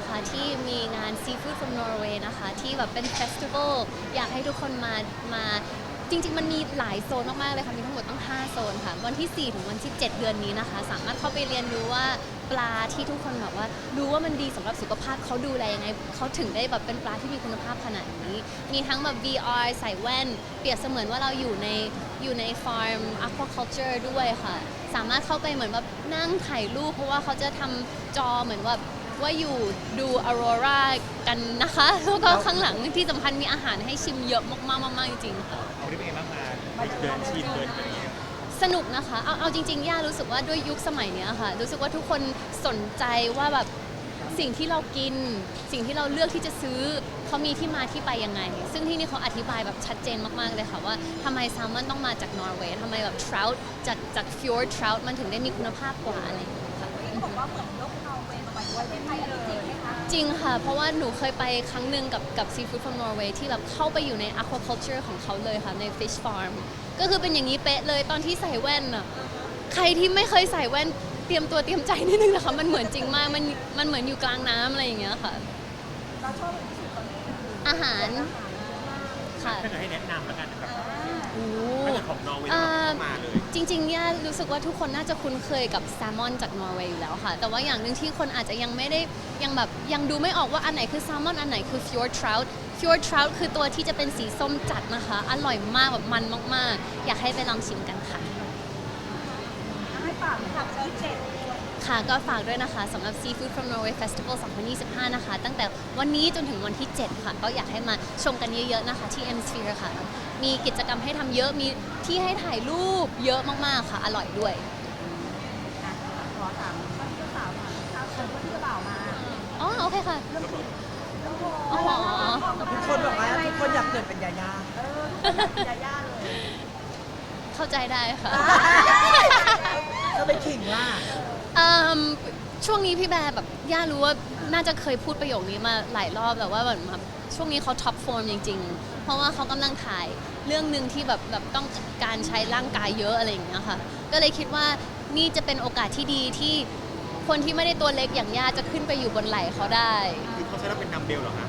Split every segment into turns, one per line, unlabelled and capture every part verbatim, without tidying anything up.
นะคะที่มีงาน Seafood from Norway นะคะที่แบบเป็นเฟสติวัลอยากให้ทุกคนมามาจริงๆมันมีหลายโซนมากๆเลยค่ะมีทั้งหมดตั้งห้าโซนค่ะวันที่สี่ถึงวันที่เจ็ดเดือนนี้นะคะสามารถเข้าไปเรียนรู้ว่าปลาที่ทุกคนแบบว่ารู้ว่ามันดีสำหรับสุขภาพเขาดูแลยังไงเขาถึงได้แบบเป็นปลาที่มีคุณภาพขนาดนี้ มีทั้งแบบ วี อาร์ ใส่แว่นเปรียบเสมือนว่าเราอยู่ในอยู่ในฟาร์ม aquaculture ด้วยค่ะสามารถเข้าไปเหมือนแบบนั่งถ่ายรูปเพราะว่าเขาจะทำจอเหมือนว่าว่าอยู่ดูออโรรากันนะคะแล้วก็ข้างหลังที่สำคัญมีอาหารให้ชิมเยอะมากๆๆจริงๆค่ะ
เอาที่เป็นไงบ้างมาเดินชิมเดินอะไรอย่างเงี้ย
สนุกนะคะ เอาเอาจริงๆ ย่ารู้สึกว่าด้วยยุคสมัยเนี้ยค่ะ รู้สึกว่าทุกคนสนใจว่าแบบสิ่งที่เรากิน สิ่งที่เราเลือกที่จะซื้อเขามีที่มาที่ไปยังไง ซึ่งที่นี่เขาอธิบายแบบชัดเจนมากๆเลยค่ะว่าทำไมแซลมอนต้องมาจากนอร์เวย์ทำไมแบบทร u ตจากจากฟิวร์ทร u ตมันถึงได้มีคุณภาพกว่าอะไรอย่างเงี้ยค่ะ
บอกว่าเหมือนยกนอร์เวย์มาไว้ด้วยในไทยเลยจริงไหมคะ
จริงค่ะ เพราะว่าหนูเคยไปครั้งหนึ่งกับกับ Seafood from Norway ที่แบบเข้าไปอยู่ใน aquaculture ของเขาเลยค่ะ ใน fish farm ก็คือเป็นอย่างนี้เป๊ะเลยตอนที่ใส่แว่นอะใครที่ไม่เคยใส่แว่นเตรียมตัวเตรียมใจนิดนึงนะคะ มันเหมือนจริงมาก มันมันเหมือนอยู่กลางน้ำอะไรอย่างเงี้ยค่ะ
เราชอบเป็นที่สุดตอนนี้คือ
อาหารค่ะ
ถ้าเกิดให้แนะนำแล้วกันนะครับ
โอ้
ถ้าเกิดของนอร์เวย์
อ่า
ต้องมาเลย
จริงๆ ย่ารู้สึกว่าทุกคนน่าจะคุ้นเคยกับแซลมอนจากนอร์เวย์อยู่แล้วค่ะ แต่ว่าอย่างหนึ่งที่คนอาจจะยังไม่ได้ยังแบบยังดูไม่ออกว่าอันไหนคือแซลมอนอันไหนคือฟิวร์ทร u ตฟิวร์ทร u ตคือตัวที่จะเป็นสีส้มจัดนะคะ อร่อยมากแบบมันมากๆ อยากให้ไปลองชิมกันค่ะ
ให้ฝากฝากที่เจ็ด
ค่ะก็ฝากด้วยนะคะสำหรับ Seafood from Norway Festival สองพันยี่สิบห้า นะคะ ตั้งแต่วันนี้จนถึงวันที่ เจ็ด ค่ะ ก็อยากให้มาชมกันเยอะๆนะคะที่ M Sphere ค่ะ มีกิจกรรมให้ทำเยอะมีที่ให้ถ่ายรูปเยอะมากๆค่ะ อร่อยด้วย
อ่ะขอถามว่าที่เจ้าสาวมาถ้าเชิญว่าที่เจ้าบ่าวมา
อ๋อ โอเคค่ะ
เรื่องผิดโอ้โห
อ๋อ
ทุกคนบอกว่าทุกคนอยากเกิดเป็นยาย่า
เออทุกคนอยากเป็นยาย่าเลย
เข้าใจได้ค่ะ
ก็ไปขิงว่า
เอิ่มช่วงนี้พี่แบร์แบบย่ารู้ว่าน่าจะเคยพูดประโยคนี้มาหลายรอบแต่ว่าแบบมาช่วงนี้เขาท็อปฟอร์มจริงๆ เพราะว่าเขากำลังถ่ายเรื่องหนึ่งที่แบบแบบต้องการใช้ร่างกายเยอะอะไรอย่างเงี้ยค่ะ ก็เลยคิดว่านี่จะเป็นโอกาสที่ดีที่คนที่ไม่ได้ตัวเล็กอย่างย่าจะขึ้นไปอยู่บนไหล่เขาได้
คือเขาใช้เราเป็นดัมเบลเหรอฮะ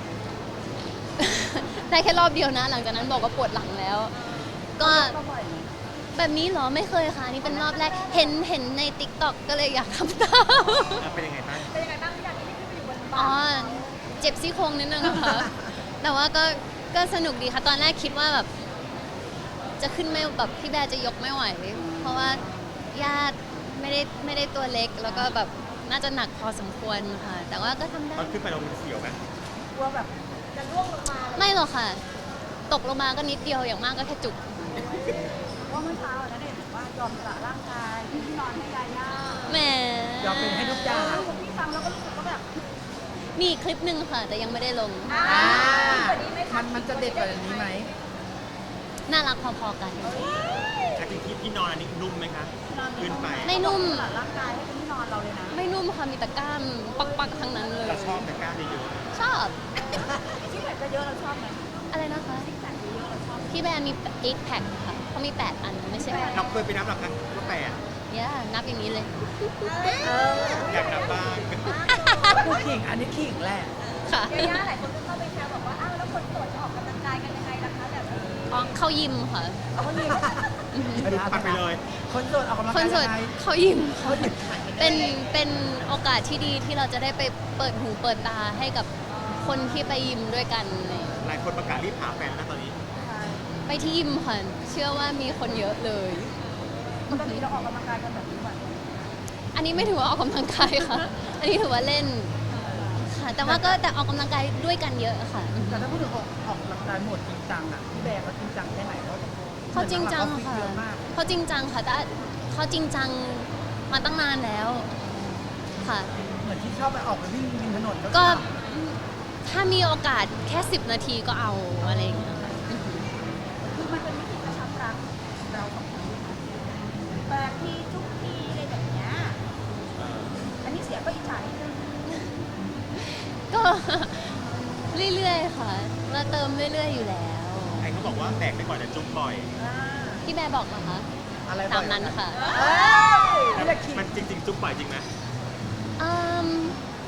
ได้แค่รอบเดียวนะ หลังจากนั้นบอกว่าปวดหลังแล้ว ก็
ก็บ่อย
แบบนี้เหรอไม่เคยค่ะนี่เป็นรอบแรกเห็นเห็นใน ติ๊กต็อก ก็เลยอยากทำตาม
อ่ะเป็นยังไงบ้าง
เป็นยังไงบ้างที่อยากที่ขึ้นไปอยู่บน
อ๋
บ่า
อ เจ็บซี่โครงนิดนึงอะค่ะ แต่ว่าก็ก็สนุกดีค่ะ ตอนแรกคิดว่าแบบ จะขึ้นไม่แบบพี่แบร์จะยกไม่ไหว เพราะว่าญาติไม่ได้ไม่ได้ตัวเล็ก แล้วก็แบบน่าจะหนักพอสมควรค่ะ แต่ว่าก็ทำได้
ตอนขึ้นไปเราเป็นเสียวไหม
กลัวแบบจะร่วงลงมาเลย
ไม่หรอกค่ะ ตกลงมาก็นิดเดียวอย่างมากก็แค่จุก
เพราะเมื่อเช้าอะนะเด็กบอกว่ายอมสละร่างกายเป็นที่นอนให้ยาย่า
แหม
ยอมเป็นให้ทุกอย่าง
เออผมพี่ฟังแล้วก็รู้สึกว่าแบบ
มีอีกคลิปหนึ่งค่ะ แต่ยังไม่ได้ลง
อ่า
อ่า
ดีกว่านี้ไหมคะ
มันมันจะเด็ดกว่านี้ไหม
น่ารักพอๆกัน
แต่จริงที่ที่นอนอันนี้นุ่มไหมคะขึ้นไป
ไม่นุ่ม
สละร่างกายให้เป็นที่นอนเราเลยนะ
ไม่นุ่มค่ะ มีแต่กล้ามปักๆทั้งนั้นเลย
เราชอบแต่กล้าเยอะ
ชอบ
ที่แบบเยอะๆเราชอบไหม
อะไรนะคะ
ที่แบบเยอะๆเราชอบไหม
พี่แบร์มีแปด แพ็คค่ะเขามีแปดอันไม่ใช่แปด
ๆเราเคยไปนับหรอคะว่าแปด
ย่านับอย่างนี้เลย
เออ
อยากนับบ้าง
ผู้ขิง อันนี้ขิงแหละ
ค่ะ
ยาย่าหลายคนก็เข้าไปแชร์บอกว่าอ้าวแล้วคนโสดจะออกกำลังกายกันยังไงล่ะคะแบบนี้
อ๋อเข้ายิมค่ะ
เอาคนนี้
อือหือ
คือปัดไปเลย
คนโสดออกกำลัง
คน
กาย
โสด
ยังไง
เข้ายิม
เขา
ค่ะ
หยิบ
เป็นเป็นโอกาสที่ดีที่เราจะได้ไปเปิดหูเปิดตาให้กับคนที่ไปยิมด้วยกันเลย
หลายคนประกาศรีบหาแฟนนะตอนนี้
ไปที่ยิมค่ะ เชื่อว่ามีคนเยอะเลย
ปกติเราออกกำลังกายกันแบบนี้บ่อยไหม
อันนี้ไม่ถือว่าออกกำลังกายค่ะ อันนี้ถือว่าเล่นค่ะ แต่ว่าก็แต่ออกกำลังกายด้วยกันเยอะค่ะ
แต่ถ้าพูดถึงออกออกกำลังกายหมดจริงจังอ่ะพี่แบร์เขาจริงจังแค่ไหนเขา
เขาจริงจัง
เหมือน
ค่ะ
ว่าเขาฟิตเยอะมาก
เขาจริงจังค่ะ แต่เขาจริงจังมาตั้งนานแล้ว ค่ะ
เหมือนที่ชอบไปออกไปวิ่งริมถนน
ก็ถ้ามีโอกาสแค่สิบนาทีก็เอาอะไรอย่างเงี้ยค่ะ
คือมันเป็นวิธีกระชับรักเราสองคนแปลกที่ทุกทีอะไรแบบเนี้ยอันนี้เสียก็อิจฉานิดนึง
ก็ เรื่อยๆค่ะเราเติมเรื่อยๆอยู่แล้ว
ใครเขาบอกว่าแบกไปก่อนจะจุ๊บบ่อย
อ่า
พี่แม่บอกนะคะ
อะไร
ตามนั้นค่ะ
เอ้ย
ไม่อยากขิง
มันจริงๆ จุ๊บบ่อยจริงไหม
อืมถามว่า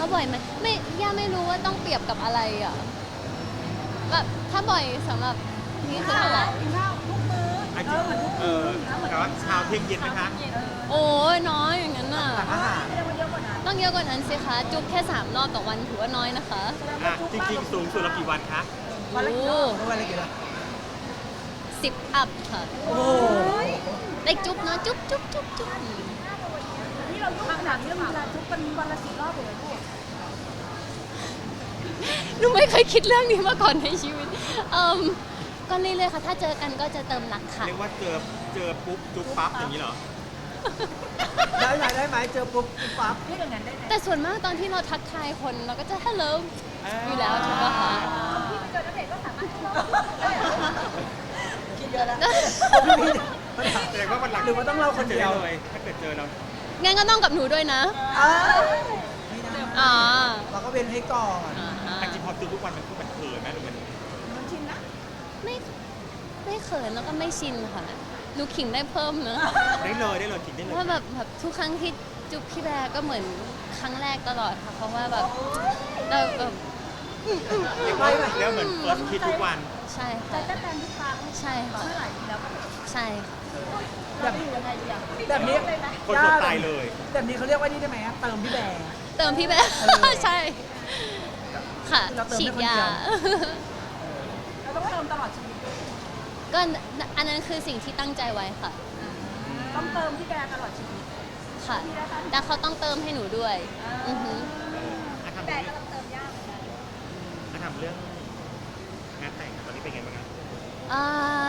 บ่อยไหมไม่ย่าไม่รู้ว่าต้องเปรียบกับอะไรอ่ะแบบถ้าบ่อยสำหรับนี่คือเท่าไหร่
กินข้าวทุกมื้อ
อา
เอ
ทิต
อ
ย์
เหมือนทุก
เอ
มื้อ
อ
นะเหมือน
แต่ว่าเช้าเที่ยงเย็นไหมคะ
โอ้ยน้อยอย่างนั้นน่ะ
หลังอาหาร
เรียกว่าเยอะกว่านั้น
ต้องเยอะกว่านั้นสิคะจุ๊บแค่สามรอบต่อวันถือว่าน้อยนะคะ
อ่ะจริงๆ สูงสุดเรากี่วันคะ
วันละกี่รอบ
เมื่อวันอะไรกี่ละ
สิบอัพค่ะ
โอ้โห
ได้จุ๊บเนาะจุ๊บจุ๊บจุ๊บจุ๊บ
นี่เรายุ่งขนาดนี้เวลาทุกเป็นวันละสี่รอบเลยลูก
หนูไม่เคยคิดเรื่องนี้มาก่อนในชีวิตเอ่มก็เรื่อยๆค่ะ ถ้าเจอกันก็จะเติมรักค่ะ
เรียกว่าเจอเจอปุ๊บจุ๊บปั๊บอย่างนี้เหรอ
ได้ไหมได้ไหมเจอปุ๊บปุ๊บปั๊บ
เรียกอย่างนั้นได้ไหม
แต่ส่วนมากตอนที่เราทักทายคนเราก็จะ hello อยู่แล้วถูกปะคะ
พี่ไปเจอณเดชน์ก็สามารถคิดเยอะแล้ว
แสดงว่าวันหลัง
หรือว่าต้องเล่าคนเดียว
จอเลยถ้าเกิดเจอเรา
งั้นก็ต้องกับหนูด้วยนะ
อ้าวไม่ได้
อ๋อ
เราก็เว้นให้ก่อน
อ่า
จริงๆพอเจอทุกวันมันคือมันเขินไหมหรือมัน
มันชินนะ
ไม่ไม่เขินแล้วก็ไม่ชินค่ะหนูขิงได้เพิ่มนะ
ได้เลยได้เลยจริงได้เลย
ว่าแบบแบบทุกครั้งที่จุ๊บพี่แบร์ก็เหมือนครั้งแรกตลอดค่ะเพราะว่าแบบเราแบบ
เรียกว่าแล้วเหมือนเฟิร์สคิดทุกวัน
ใช่
ใจ
ค่ะ
เต้นแรงทุกครั้ง
ใช่ค่ะ
เมื่อไหร่ทีแล้วก็แบบ
ใช่ค่ะ
เราจะอยู่ยังไงดีอ่ะ
แบบนี้
เลยไหม
คนสดตายเลย
แบบนี้เขาเรียกว่านี่ได้ไหมเติมพี่แบร์
เติมพี่แบร์
เออ
ใช่ค่ะ
เราเติมให้
ฉีด
คนเดี
ยา
ยว
เราต้องเติมตลอดชีวิต
ก็อันนั้นคือสิ่งที่ตั้งใจไว้ค่ะ
ต้องเติมพี่แบร์ตลอดชีวิต
ค่ะ แต่เขาต้องเติมให้หนูด้วยอือหือ
อ่ะทำ
แต่
เรื่อง
ก็ต้องเติมยากเหมือนกัน
อ่ะทำเรื่องงานแต่งตอนนี้เป็นไงบ้างครับ
อ่า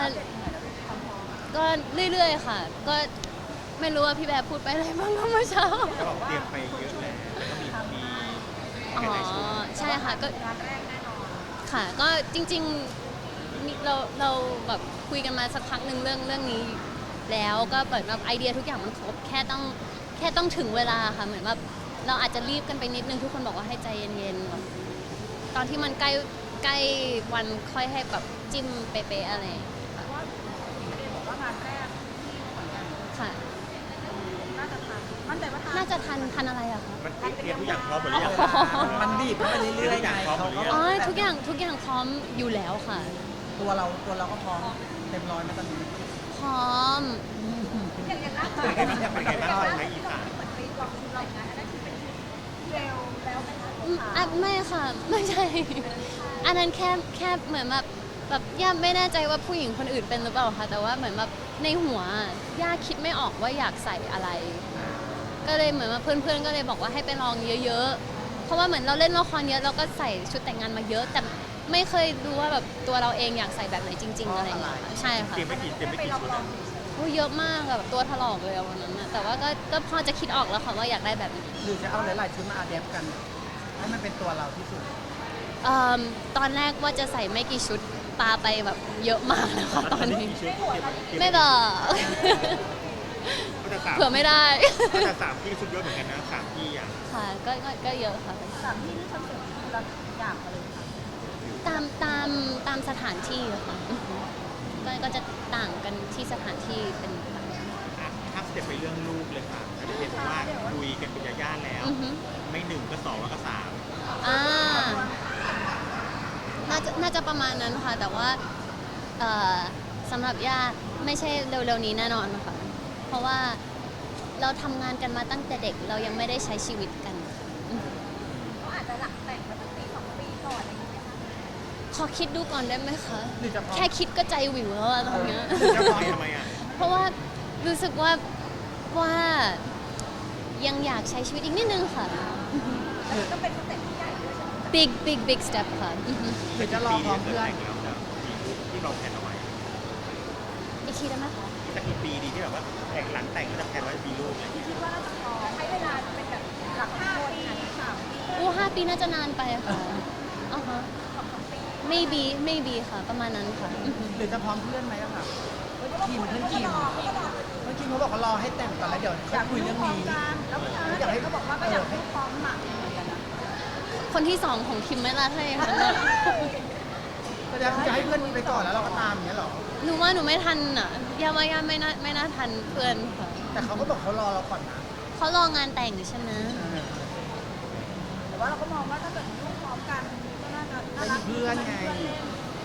ก็เรื่อยๆค่ะ ก็ไม่รู้ว่าพี่แบร์พูดไปอะไรบ้างก็เมื่อเช้า
ก็บอกเตรียมไปเยอะแล้วก็มีมี
อ๋อ
กันในชุด
ใช่ค่ะก็
งานแรกแน่นอน
ค่ะก็จริงๆมีเราเราแบบคุยกันมาสักพักหนึ่งเรื่องเรื่องนี้ แล้วก็เปิดแบบไอเดียทุกอย่างมันครบแค่ต้องแค่ต้องถึงเวลาค่ะเหมือนแบบเราอาจจะรีบกันไปนิดนึงทุกคนบอกว่าให้ใจเย็นๆแบบตอนที่มันใกล้ใกล้วันค่อยให้แบบจิ้มเป๊ะๆอะไรอย่างเงี้ยค่ะ
ว่าพี่เดย์บอกว่างานแรกที่ขอนแก่น
ค่ะ
น่าจะทันมั่นใจว่าทัน
น่าจะทันทันอะไรอะคะ
มันเตรียมทุกอย่างพร้อมหมดหรือยัง
มันบีบเข้าไปเรื่อยๆไงเขาก็
อ๋อทุกอย่างทุกอย่างพร้อมอยู่แล้วค่ะ
ตัวเราตัวเราก็พร้อมเต็มร้อยไหมตอนนี้
พร้อม
อย่างอย่างล่าสุด
เป็นไงบ้างเป็นไงบ้างใช้อีสาน
เหมือนไปลองลองงานอันนั้นคือเป็นเร็วแล้วไหมคะ
อืมอ่ะไม่ค่ะ ไม่ใช่ อันนั้นแค่แค่เหมือนแบบแบบย่าไม่แน่ใจว่าผู้หญิงคนอื่นเป็นหรือเปล่าค่ะ แต่ว่าเหมือนแบบในหัวย่าคิดไม่ออกว่าอยากใส่อะไร ก็เลยเหมือนว่าเพื่อนๆก็เลยบอกว่าให้ไปลองเยอะๆ เพราะว่าเหมือนเราเล่นละครเยอะเราก็ใส่ชุดแต่งงานมาเยอะ แต่ไม่เคยรู้ว่าแบบตัวเราเองอยากใส่แบบไหนจริง ๆ อะไรอย่างเงี้ยค่ะใช่ค่ะ
เตรียมไม่กี่เตรียมไม่กี่ชุดอะ
โอ้ยเยอะมากอะแบบตัวถลอกเลยอะวันนั้นนะแต่ว่าก็ก็พอจะคิดออกแล้วค่ะว่าอยากได้แบบไหน
หรือจะเอาหลายๆชุดมาอาแดปกัน ให้มันเป็นตัวเราที่สุด
เอิ่มตอนแรกว่าจะใส่ไม่กี่ชุดปาไปแบบเยอะมากนะคะตอนนี้
กี่ชุดเตรียมเตรีย
ไม่บอก
ก็จะสาม
เผื่อไม่ได้
ก็จะสามที่ชุดเยอะเหมือนกันนะสามที่อ่ะ
ค่ะก็ก็ก็เยอะค่ะ
สามที่ที่ทำเสร็จคือเราอยากมาเลยค่ะ
ตามตามตามสถานที่อะค่ะอือฮึก็ก็จะต่างกันที่สถานที่เป็นต่าง
อ่ะถ้าสเต็ปไปเรื่องลูกเลยค่ะก็จะเห็นว่าคุยกันเป็นญาติๆแล้ว
อือฮึ
ไม่หนึ่งก็สองแล้วก็สาม
อ่าน่าจะน่าจะประมาณนั้นค่ะ แต่ว่าเอ่อสำหรับย่าไม่ใช่เร็วๆนี้แน่นอนค่ะ เพราะว่าเราทำงานกันมาตั้งแต่เด็กเรายังไม่ได้ใช้ชีวิตกันอืม
เขาอาจจะหลังแต่งมาตั้งปีสองปีก่อนอะไรอย่างเงี้ยค่ะ
ขอคิดดูก่อนได้ไหมคะ
หรือจะพร้อม
แค่คิดก็ใจวิวแล้วอะตอนเนี้ย
จะปล่อยทำไมอ่ะ
เพราะว่ารู้สึกว่าว่ายังอยากใช้ชีวิตอีกนิดนึงค่ะ
แล้วมันก็เป็นสเต็ปที่ใหญ่ด้วยใช่ไหม
big big big step ค่ะอือฮึ
หรือจะรอพร้อมเพื่อน
แต่งแล้วจะมีลูกที่เราแผนเอาไว้
อีกทีได้ไหมคะ
สักกี่ปีดีที่แบบว่าแต่งหลังแต่งก็จะแผนไว้มีลูกอะไรอย่างเงี้ย
คิดว่าน่าจะพอใช้เวลาเป็นแบบหลักห้าปีสามปี
อู้ห้าปีน่าจะนานไปอะค่ะอ๋อฮะ
สองสามปี
maybe maybe ค่ะ ประมาณนั้นค่ะอือฮึ
หรือจะพร้อมเพื่อนไหมอะค่ะทีมเพื่อนทีมเพื่อนทีมเขาบอกว่ารอให้แต่งก่อนแล้วเดี๋ยวค่อยคุยเรื่องนี้
แล้วก็อยากให้เขาบอกว่าก็อยากให้พร้อมหมักเหมือนกันนะ
คนที่สองของคิมไม่ละถ้าอย่างนั้นอะ
แสดงว่าจะให้เพื่อนมีไปก่อนแล้วเราก็ตามอย่างเงี้ยเหรอ
หนูว่าหนูไม่ทันอ่ะย่าว่าย่าไม่น่าไม่น่าทันเพื่อนค่ะ
แต่เขาก็บอกเขารอเราก่อนนะ
เขารองานแต่งใช่ไหม
เออ
แว่าเราก็มองว่าถ้าเกิดมีลูกพร้อมกันก็น่าจะน่ารัก
เป็นเพื่อนไง
เล่น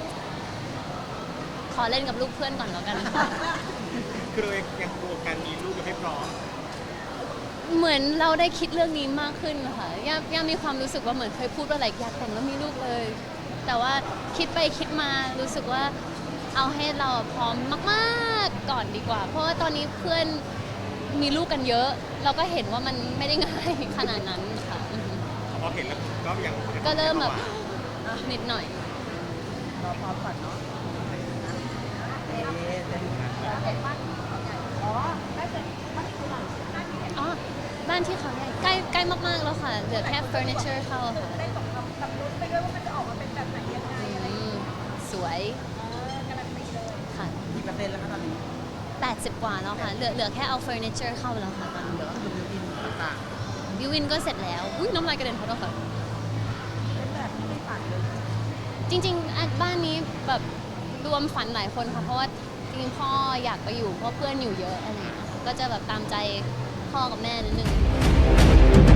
ขอเล่นกับลูกเพื่อนก่อนแล้วกัน
คือเรายังกลัวการมีลูกยังไม่พร้อม
เหมือนเราได้คิดเรื่องนี้มากขึ้นค่ะย่าย่ามีความรู้สึกว่าเหมือนเคยพูดว่าอะไรอยากแต่งแล้วมีลูกเลย แต่ว่าคิดไปคิดมารู้สึกว่าเอาให้เราพร้อมมากๆก่อนดีกว่า เพราะว่าตอนนี้เพื่อนมีลูกกันเยอะ เราก็เห็นว่ามันไม่ได้ง่ายขนาดนั้นค่ะอือฮึ
พอเห็นแล้วก็ยัง
ก็เริ่มแบบนิดหน่อย
รอพร้อมก่อนเนาะ
เอ๊ะจะดู
แล้วเห็นบ้านที่เขาใหญ่อ๋อได้เสร็จบ้านที่เขาหลังบ้านที่เห็น
อ๋อ บ้านที่เขาใหญ่ใกล้ใกล้มากๆแล้วค่ะ เหลือแค่เฟอร์นิเจอร์เข้าค่ะ
ได้ตกกับกับลุ้นไปด้วยว่ามันจะออกมาเป็นแบบไหนยังไงอะไรอย่าง
อื
เงี้ย
มสวย
เออการันตีเลย
ค่ะ
กี่เปอร์เซ็นต์แล้วคะตอนนี้
แปดสิบกว่าแล้วค่ะ เหลือเหลือแค่เอาเฟอร์นิเจอร์เข้าแล้วค่ะตอนนี้
เดี๋ยวก็คือบิวอินต่าง
บิววินก็เสร็จแล้ว อุ้ยน้ำลายกระเด็นขอโทษค่ะ
เป็นแบบที่ไม่ฝันเลย
จริงๆอ่ะบ้านนี้แบบรวมฝันหลายคนค่ะ เพราะว่าจริงๆพ่ออยากไปอยู่เพราะเพื่อนอยู่เยอะอะไรอย่างเงี้ยค่ะก็จะแบบตามใจพ่อกับแม่นิดนึง